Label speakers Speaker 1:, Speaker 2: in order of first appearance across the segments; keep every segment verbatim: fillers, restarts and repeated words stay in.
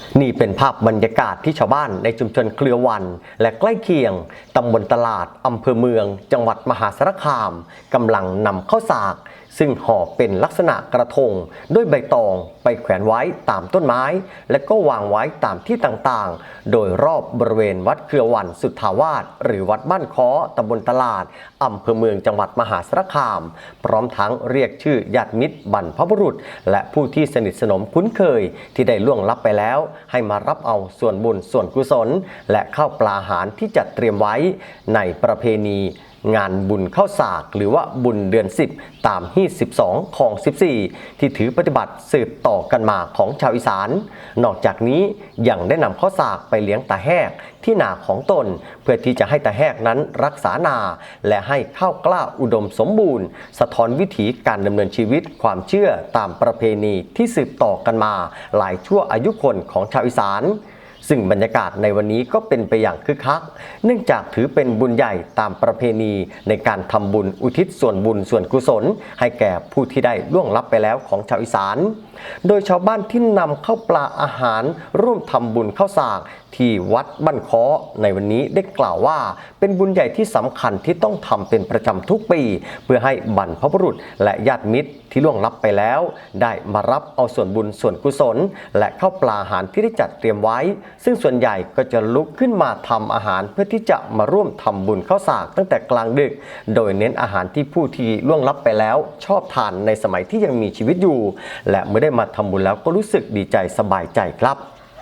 Speaker 1: นี่เป็นภาพบรรยากาศที่ชาวบ้านในชุมชนเครือวันและใกล้เคียงตำบลตลาดอำเภอเมืองจังหวัดมหาสารคามกำลังนำข้าวสากซึ่งห่อเป็นลักษณะกระทงด้วยใบตองไปแขวนไว้ตามต้นไม้และก็วางไว้ตามที่ต่างๆโดยรอบบริเวณวัดเครือวันสุทธาวาสหรือวัดบ้านค้อตำบลตลาดอำเภอเมืองจังหวัดมหาสารคามพร้อมทั้งเรียกชื่อญาติมิตรบรรพบุรุษและผู้ที่สนิทสนมคุ้นเคยที่ได้ล่วงลับไปแล้วให้มารับเอาส่วนบุญส่วนกุศลและข้าวปลาอาหารที่จัดเตรียมไว้ในประเพณีงานบุญข้าวสากหรือว่าบุญเดือนสิบตามฮีตสิบสองของสิบสี่ที่ถือปฏิบัติสืบต่อกันมาของชาวอีสานนอกจากนี้ยังได้นำข้าวสากไปเลี้ยงตาแหกที่นาของตนเพื่อที่จะให้ตาแหกนั้นรักษานาและให้ข้าวกล้าอุดมสมบูรณ์สะท้อนวิถีการดำเนินชีวิตความเชื่อตามประเพณีที่สืบต่อกันมาหลายชั่วอายุคนของชาวอีสานซึ่งบรรยากาศในวันนี้ก็เป็นไปอย่างคึกคักเนื่องจากถือเป็นบุญใหญ่ตามประเพณีในการทำบุญอุทิศส่วนบุญส่วนกุศลให้แก่ผู้ที่ได้ล่วงลับไปแล้วของชาวอีสานโดยชาวบ้านที่นำข้าวปลาอาหารร่วมทำบุญข้าวสากที่วัดบ้านค้อในวันนี้ได้กล่าวว่าเป็นบุญใหญ่ที่สำคัญที่ต้องทำเป็นประจำทุกปีเพื่อให้บรรพบุรุษและญาติมิตรที่ล่วงลับไปแล้วได้มารับเอาส่วนบุญส่วนกุศลและข้าวปลาอาหารที่ได้จัดเตรียมไว้ซึ่งส่วนใหญ่ก็จะลุกขึ้นมาทำอาหารเพื่อที่จะมาร่วมทำบุญข้าวสากตั้งแต่กลางดึกโดยเน้นอาหารที่ผู้ที่ล่วงลับไปแล้วชอบทานในสมัยที่ยังมีชีวิตอยู่และเมื่อได้มาทำบุญแล้วก็รู้สึกดีใจสบายใจครับ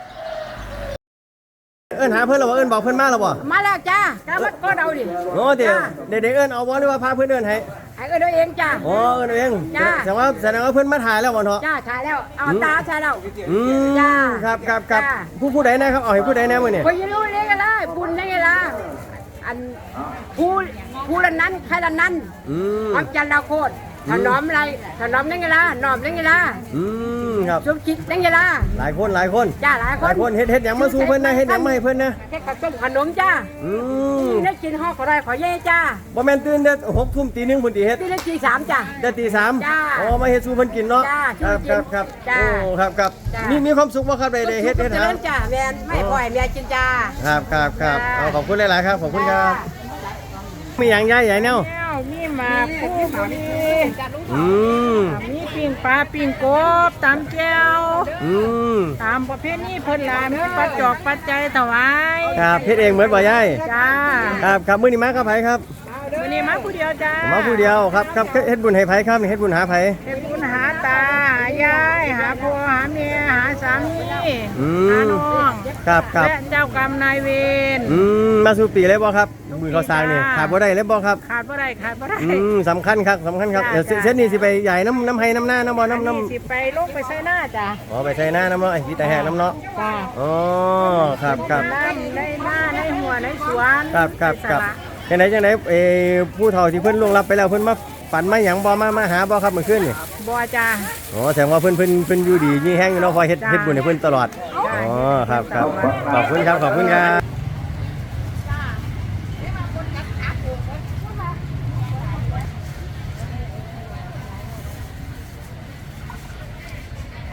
Speaker 2: เอิ้นหาเพื่อนเราบ่เอิ้นบอกเพื่อนมาแล้วบ่
Speaker 3: มาแล้วจ้าจ้ามันก็เอาดิ
Speaker 2: โอ้เดี๋ยวเด็กๆเอิ้นเอาบ่หรือว่าพาเพื่อนเอิ้นให้
Speaker 3: ให้เอิ้นเอาเองจ้า
Speaker 2: โอ้เอิ้นเอาเอง
Speaker 3: จ้า
Speaker 2: แสดงว่าแสดงว่าเพื่อนมาถ่ายแล้วบ่เนาะ
Speaker 3: จ้าถ่ายแล้วเอาตาใช่แล้ว
Speaker 2: อืมจ้าครับครับครับผู้ผู้ใดแน่ครับเอาให้ผู้ใดแน่มื้อนี้
Speaker 3: ผู้อยู่นี่ก็ได้บุญนี่ก็ได้อันผู้ผู้ละนั้นใครละนั้น
Speaker 2: อืม
Speaker 3: ความจันทร์เราโคตรถนอมอะไรถนอมนั่งไงล่ะนอมนั่งไงล่ะ
Speaker 2: อืมครับ
Speaker 3: สุกินั่งไงล่ะ
Speaker 2: หลายคนหลายคน
Speaker 3: จ้าหลายคน
Speaker 2: หลายคนเฮ็ดเฮ็ดหยังมาสู่เพิ่นนะเฮ็ดหยังมาให้เพิ่นนะ
Speaker 3: เฮ็ดข้าวต้มขนมจ้า
Speaker 2: อืม
Speaker 3: ได้กินห่อขอได้ขอเย่จ้า
Speaker 2: บ่แม่นตื่นแต่หกทุ่มตีหนึ่งพุ่นติเฮ็ด
Speaker 3: ตื่นได้ตีสามจ้า
Speaker 2: แต่ตีสาม
Speaker 3: จ้า
Speaker 2: อ๋อมาเฮ็ดสู่เพิ่นกินเนาะครับครับครับโอ้ครับครับมีมีความสุขบ่ครับได้ได้เฮ็ดเฮ็ดหา
Speaker 3: จ้าแม่นไม่ปล่อยแม่กินจ้า
Speaker 2: ครับครับครับเอาขอบคุณหลายๆครับขอบคุณครับมีหยังยายใหญ่แนว
Speaker 3: มีหมาคู่มี
Speaker 2: อืม
Speaker 3: มีปิ้งปลาปิ้งกบตำแก้ว
Speaker 2: อืม
Speaker 3: ตามประเภทนี้เพิ่นลามีปัจจอกปัจจัยถวาย
Speaker 2: ครับเฮ็ดเองเหมือนบ่ยาย
Speaker 3: จ้า
Speaker 2: ครับครับมื้อนี้มากับไผครับ
Speaker 3: มื้อนี้มาผู้เดียวจ้า
Speaker 2: มาผู้เดียวครับครับเฮ็ดบุญให้ไผครับเฮ็ดบุญหาไผ
Speaker 3: เฮ็ดบุญหาตาหายายหาพ่อหาแม่หาสามีหาน้อง
Speaker 2: ครับครับ
Speaker 3: และเจ้ากรรมนายเวร
Speaker 2: อืมมาสู่ปีเลยบ่ครับมือเขาสร้างนี่ขาดบ่ได้เลยบ่ครับ
Speaker 3: ขาดบ่ได้ขาดบ่ได้
Speaker 2: อืมสำคัญครับสำคัญครับเดี๋ยวเส้นนี้สิไปใหญ่น้ำน้ำให้น้ำหน้าน้ำบ่น้ำน้
Speaker 3: ำสิไปลงไปใส่หน้าจ้ะ
Speaker 2: อ๋อไปใส่หน้าน้ำเนาะไอ้ที่แต่แหกน้ำเนาะ
Speaker 3: จ้ะ
Speaker 2: อ๋อครับครับ
Speaker 3: ในหน้าในหัวในสวน
Speaker 2: ครับครับครับจังไหนจังไหนเอผู้เฒ่าที่เพิ่นล่วงลับไปแล้วเพิ่นมาฝันมาหยังบ่มามาหาบ่ครับเมื่อคืนนี่
Speaker 3: บ่จ้ะ
Speaker 2: อ๋อแสดงว่าเพิ่นเพิ่นเพิ่นอยู่ดีมีแห้งอยู่เนาะคอยเฮ็ดเฮ็ดบุญให้เพิ่นตลอดอ๋อครับครับขอบคุณครับขอบคุณครับ